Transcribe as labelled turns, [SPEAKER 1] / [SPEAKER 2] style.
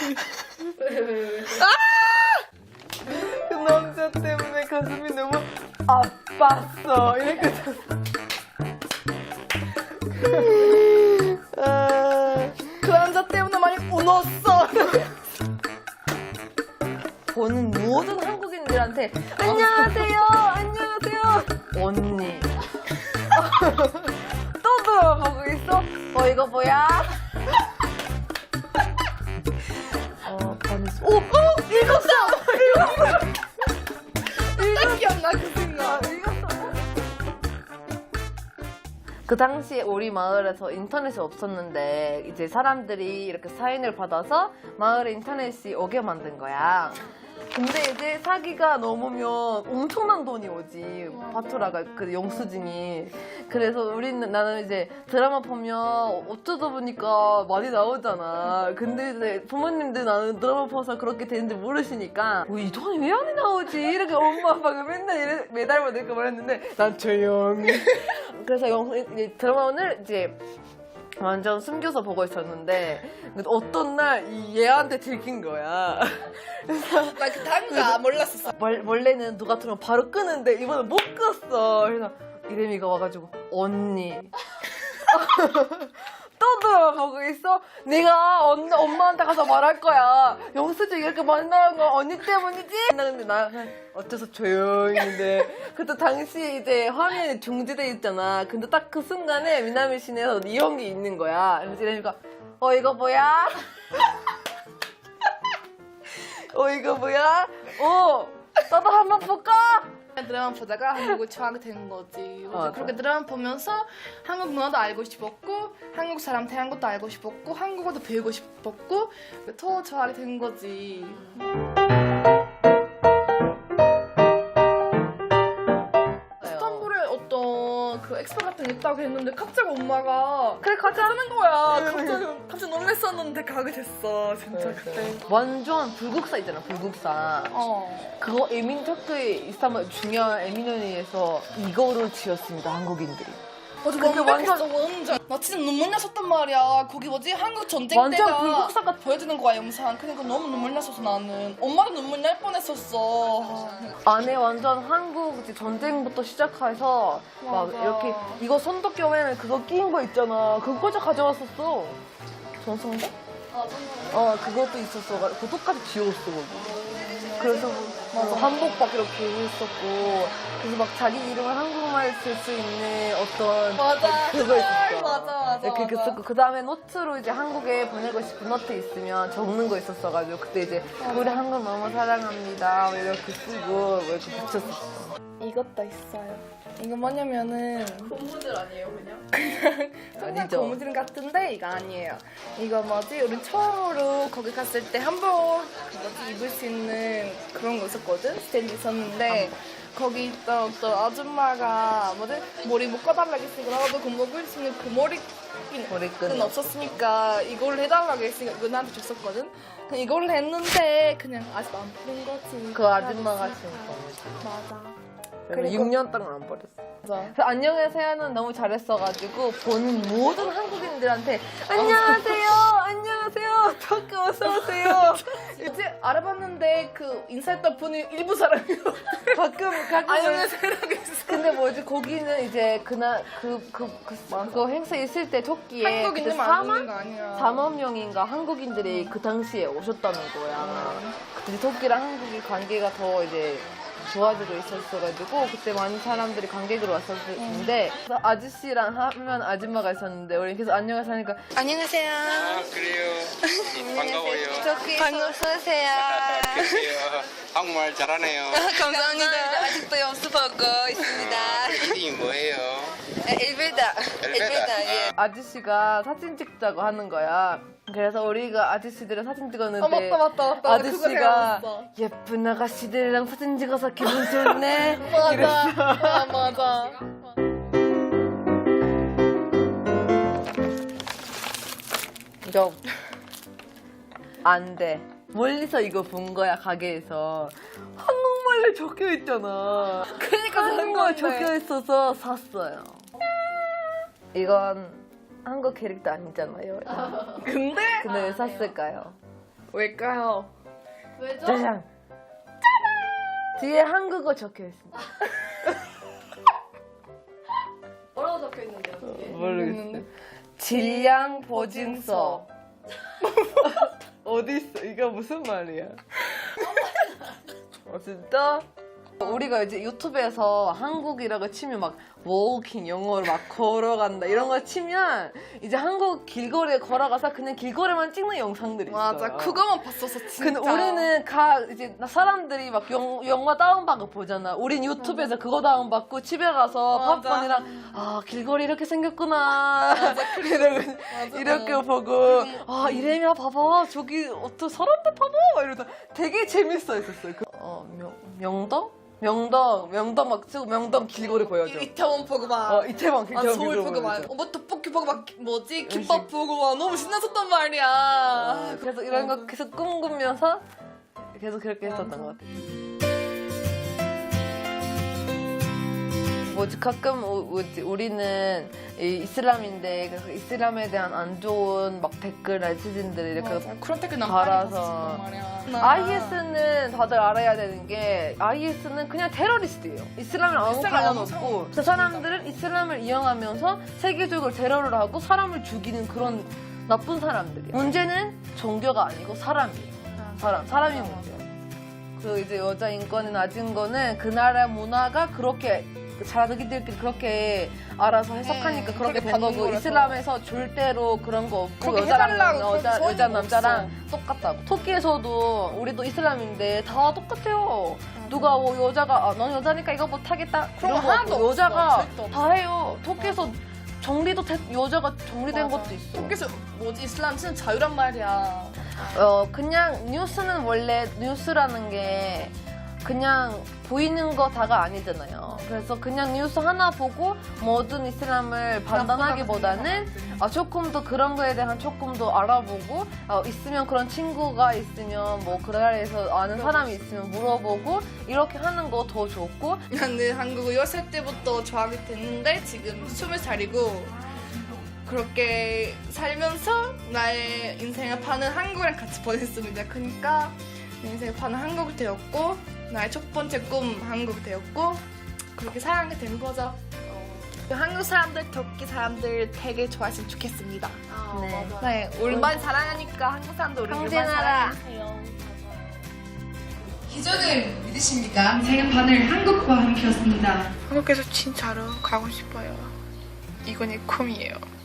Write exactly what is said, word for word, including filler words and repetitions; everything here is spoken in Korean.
[SPEAKER 1] 그 남자 때문에 가슴이 너무 아팠어. 이렇게 아, 그 남자 때문에 많이 울었어. 보는 모든 한국인들한테 안녕하세요, 안녕하세요, 언니. 또 들어보고 있어? 어 이거 뭐야? 어 반했어. 오, 어 읽었어, 읽었어.
[SPEAKER 2] 딱 기억나 그 순간.
[SPEAKER 1] 그 당시에 우리 마을에서 인터넷이 없었는데 이제 사람들이 이렇게 사인을 받아서 마을에 인터넷이 오게 만든 거야. 근데 이제 사기가 넘으면 엄청난 돈이 오지. 파투라가 그 영수증이. 그래서 우리는 나는 이제 드라마 보면 어쩌다 보니까 많이 나오잖아. 근데 이제 부모님들 나는 드라마 봐서 그렇게 되는지 모르시니까 어, 이 돈이 왜 안 나오지? 이렇게 엄마 아빠가 맨날 이래, 매달만 이렇게 말했는데 난 조용히. 그래서 영, 이제 드라마를 이제 완전 숨겨서 보고 있었는데 어떤 날 이 얘한테 들킨 거야.
[SPEAKER 2] 나 그 단가 몰랐었어.
[SPEAKER 1] 월, 원래는 누가 들으면 바로 끄는데 이번엔 못 껐어. 그래서 이름이가 와가지고 언니. 또 들어보고 있어? 내가 언, 엄마한테 가서 말할 거야. 영수증 이렇게 만나는 거 언니 때문이지? 나 근데 나 그냥 어째서 조용히 해. 그때 당시 이제 화면이 중지돼 있잖아. 근데 딱 그 순간에 미나미 시내에서 이런 게 있는 거야. 그래서 이러니까 어 이거 뭐야? 어 이거 뭐야? 어 나도 한번 볼까?
[SPEAKER 2] 드라마 보다가 한국을 좋아하게 된 거지. 그래서
[SPEAKER 1] 맞아.
[SPEAKER 2] 그렇게 드라마 보면서 한국 문화도 알고 싶었고 한국 사람 대한 것도 알고 싶었고 한국어도 배우고 싶었고 더 좋아하게 된 거지. 스탄불에 어떤 그 엑스포 같은 게 있다고 했는데 갑자기 엄마가
[SPEAKER 1] 그래 가자.
[SPEAKER 2] 하는 거야. 갑자기 갑자기 놀랬었는데 가게 됐어. 진짜 그때.
[SPEAKER 1] 완전 불국사 있잖아, 불국사.
[SPEAKER 2] 어.
[SPEAKER 1] 그거 에민 터크에 이스탄불 중요한 에미노니에서 이거를 지었습니다, 한국인들이.
[SPEAKER 2] 맞아,
[SPEAKER 1] 그게
[SPEAKER 2] 완전 완전 나 진짜 눈물 났었단 말이야. 거기 뭐지 한국 전쟁
[SPEAKER 1] 완전
[SPEAKER 2] 때가
[SPEAKER 1] 불국사가
[SPEAKER 2] 보여주는 거야 영상. 그러니까 너무 눈물 났었어 나는. 엄마도 눈물 날 뻔했었어.
[SPEAKER 1] 안에 완전 한국 이제 전쟁부터 시작해서 막
[SPEAKER 2] 맞아.
[SPEAKER 1] 이렇게 이거 손도겸에는 그거 끼인 거 있잖아. 그거까지 가져왔었어. 전성대?
[SPEAKER 2] 아 정말.
[SPEAKER 1] 어, 그것도 있었어. 그거 똑같이 지웠어, 거기. 그래서 뭐 한복박 이렇게 있었고, 그래서 막 자기 이름을 한국말 쓸 수 있는 어떤
[SPEAKER 2] 맞아.
[SPEAKER 1] 그거 있었어.
[SPEAKER 2] 맞아 맞아.
[SPEAKER 1] 이렇게
[SPEAKER 2] 맞아.
[SPEAKER 1] 썼고, 그 다음에 노트로 이제 한국에 보내고 싶은 노트 있으면 적는 거 있었어가지고, 그때 이제 우리 한국 너무 사랑합니다. 뭐 이렇게 쓰고, 뭐 이렇게 붙였었어.
[SPEAKER 2] 이것도 있어요. 이거 뭐냐면은
[SPEAKER 3] 고무줄 아니에요 그냥?
[SPEAKER 2] 정말
[SPEAKER 1] 아니죠.
[SPEAKER 2] 고무줄 같은데 이거 아니에요. 이거 뭐지? 우리 처음으로 거기 갔을 때 한복 그 뭐지 입을 수 있는 그런 거 있었거든? 스탠드 있었는데 거기 있던 어떤 아줌마가 뭐지? 머리 묶어달라고 했으니까 나도 그 묶을 수 있는 그 머리끈은
[SPEAKER 1] 머리끈.
[SPEAKER 2] 없었으니까 이걸 해달라고 했으니까 이거 나한테 줬었거든? 그냥 이걸 했는데 그냥 아직 안 푸는 거지.
[SPEAKER 1] 그 아줌마가 진짜.
[SPEAKER 2] 맞아.
[SPEAKER 1] 그리고 육 년 동안 안 버렸어.
[SPEAKER 2] 맞아.
[SPEAKER 1] 그래서 안녕하세요는 너무 잘했어가지고 본 모든 한국인들한테 안녕하세요, 안녕하세요, 덕크 어서 오세요.
[SPEAKER 2] 이제 알아봤는데 그 인사했던 분이 일부 사람이요.
[SPEAKER 1] 가끔 가끔.
[SPEAKER 2] 안녕하세요라고 했어.
[SPEAKER 1] 근데 뭐지 거기는 이제 그날 그그 그, 그거 행사 있을 때 토끼에
[SPEAKER 2] 한국인들만 안 오는 거 아니야.
[SPEAKER 1] 사만 명인가 한국인들이 그 당시에 오셨다는 거야. 그때 토끼랑 한국이 관계가 더 이제 좋아지고 있었어가지고 그때 많은 사람들이 관객으로 왔었는데 그래서 아저씨랑 하면 아줌마가 있었는데 우리 계속 안녕하세요 하니까
[SPEAKER 2] 안녕하세요.
[SPEAKER 4] 아 그래요. 반가워요.
[SPEAKER 2] 어서 오세요.
[SPEAKER 4] 그래요. 한국말 잘하네요.
[SPEAKER 2] 감사합니다.
[SPEAKER 3] 아직도 연습하고 있습니다.
[SPEAKER 4] 이름이 뭐예요?
[SPEAKER 3] 일베다.
[SPEAKER 4] 엘베다.
[SPEAKER 3] 예.
[SPEAKER 1] 아저씨가 사진 찍자고 하는 거야. 그래서 우리가 아저씨들이랑 사진 찍었는데
[SPEAKER 2] 아 맞다 맞다 맞다.
[SPEAKER 1] 아저씨가
[SPEAKER 2] 그거
[SPEAKER 1] 예쁜 아가씨들이랑 사진 찍어서 기분 좋네.
[SPEAKER 2] 맞아. 아 맞아.
[SPEAKER 1] 이거 안 돼. 멀리서 이거 본 거야 가게에서. 한국말로 적혀 있잖아.
[SPEAKER 2] 그러니까 사는
[SPEAKER 1] 한국말
[SPEAKER 2] 건데.
[SPEAKER 1] 적혀 있어서 샀어요. 이건 한국 캐릭터 아니잖아요.
[SPEAKER 2] 근데
[SPEAKER 1] 근데 왜 샀을까요?
[SPEAKER 2] 왜일까요?
[SPEAKER 3] 왜죠?
[SPEAKER 1] 짜잔. 짜잔. 뒤에 한국어 적혀 있습니다.
[SPEAKER 3] 뭐라고 적혀 있는데요, 뒤에?
[SPEAKER 1] 모르겠어요. 질량 보증서. 어디 있어? 이거 무슨 말이야? 어 진짜? 우리가 이제 유튜브에서 한국이라고 치면 막 워킹 영어로 막 걸어간다 이런 거 치면 이제 한국 길거리에 걸어가서 그냥 길거리만 찍는 영상들이 있어요.
[SPEAKER 2] 맞아, 그거만 봤었어 진짜.
[SPEAKER 1] 근데 우리는 가 이제 사람들이 막 영, 영화 다운받고 보잖아. 우린 유튜브에서 그거 다운받고 집에 가서
[SPEAKER 2] 맞아.
[SPEAKER 1] 팝콘이랑 아 길거리 이렇게 생겼구나 이러고 이렇게 보고 아 이래면 봐봐 저기 어떤 사람들 봐봐 이러다 되게 재밌어했었어요. 그, 어 명, 명동? 명동 명동 막 찍고 명동 길거리 보여줘.
[SPEAKER 2] 이태원 보고 막.
[SPEAKER 1] 어 이태원
[SPEAKER 2] 아,
[SPEAKER 1] 길거리
[SPEAKER 2] 서울 보고 막,
[SPEAKER 1] 보여줘.
[SPEAKER 2] 어, 뭐 떡볶이 보고 막, 뭐지? 김밥 보고 막 너무 신났었단 말이야.
[SPEAKER 1] 그래서 이런 거 계속 꿈꾸면서 계속 그렇게 했었던 것 같아요. 뭐지 가끔 우- 뭐지 우리는 이 이슬람인데 그 이슬람에 대한 안 좋은 막 댓글 네티즌들이 이렇게
[SPEAKER 2] 맞아, 그런 댓글 난
[SPEAKER 1] 달아서.
[SPEAKER 2] 많이 봤었단 말이야.
[SPEAKER 1] 아이에스는 다들 알아야 되는 게 아이에스는 그냥 테러리스트예요. 이슬람이랑 아무
[SPEAKER 2] 이슬람
[SPEAKER 1] 관련
[SPEAKER 2] 아무
[SPEAKER 1] 없고
[SPEAKER 2] 상관없어,
[SPEAKER 1] 그 사람들은 이슬람을 이용하면서 세계적으로 테러를 하고 사람을 죽이는 그런 나쁜 사람들이에요. 문제는 종교가 아니고 사람이에요. 사람, 사람이 문제예요. 그 이제 여자 인권이 낮은 거는 그 나라 문화가 그렇게 자기들끼리 그렇게 알아서 해석하니까
[SPEAKER 2] 네,
[SPEAKER 1] 그렇게
[SPEAKER 2] 그렇게
[SPEAKER 1] 된
[SPEAKER 2] 받는
[SPEAKER 1] 거고
[SPEAKER 2] 거라서.
[SPEAKER 1] 이슬람에서 절대로 그런 거 없고
[SPEAKER 2] 그렇게
[SPEAKER 1] 여자랑
[SPEAKER 2] 해달라고
[SPEAKER 1] 여자,
[SPEAKER 2] 그런
[SPEAKER 1] 여자
[SPEAKER 2] 소원이
[SPEAKER 1] 남자랑 똑같다고. 터키에서도 우리도 이슬람인데 다 똑같아요. 누가 뭐 여자가 아, 넌 여자니까 이거 못하겠다
[SPEAKER 2] 그런
[SPEAKER 1] 이런
[SPEAKER 2] 거
[SPEAKER 1] 거
[SPEAKER 2] 하나도
[SPEAKER 1] 없고
[SPEAKER 2] 없어.
[SPEAKER 1] 여자가
[SPEAKER 2] 절대 없어.
[SPEAKER 1] 다 해요. 터키에서 정리도 돼, 여자가 정리된
[SPEAKER 2] 맞아.
[SPEAKER 1] 것도 있어.
[SPEAKER 2] 터키에서 뭐지? 이슬람 진짜 자유란 말이야.
[SPEAKER 1] 어 그냥 뉴스는 원래 뉴스라는 게 그냥 보이는 거 다가 아니잖아요. 그래서 그냥 뉴스 하나 보고 모든 이슬람을 판단하기보다는 아, 조금 더 그런 거에 대한 조금 더 알아보고 어, 있으면 그런 친구가 있으면 뭐 그 나라에서 아는 사람이 있으면 물어보고 이렇게 하는 거 더 좋고.
[SPEAKER 2] 나는 한국을 열 살 때부터 좋아하게 됐는데 지금 스물 살이고 그렇게 살면서 나의 인생을 파는 한국이랑 같이 보냈습니다. 그러니까 내 인생을 파는 한국이 되었고 나의 첫 번째 꿈 한국이 되었고 그렇게 살아가게 된 거죠. 그 한국 사람들, 터키 사람들 되게 좋아했으면 좋겠습니다.
[SPEAKER 1] 네.
[SPEAKER 2] 네, 우리만 사랑하니까 한국 사람들 우리
[SPEAKER 1] 항쟁하라.
[SPEAKER 2] 사랑해요.
[SPEAKER 5] 기적을 믿으십니까? 인생의 반을 한국과 함께였습니다.
[SPEAKER 2] 한국에서 진짜로 가고 싶어요. 이건 내 꿈이에요.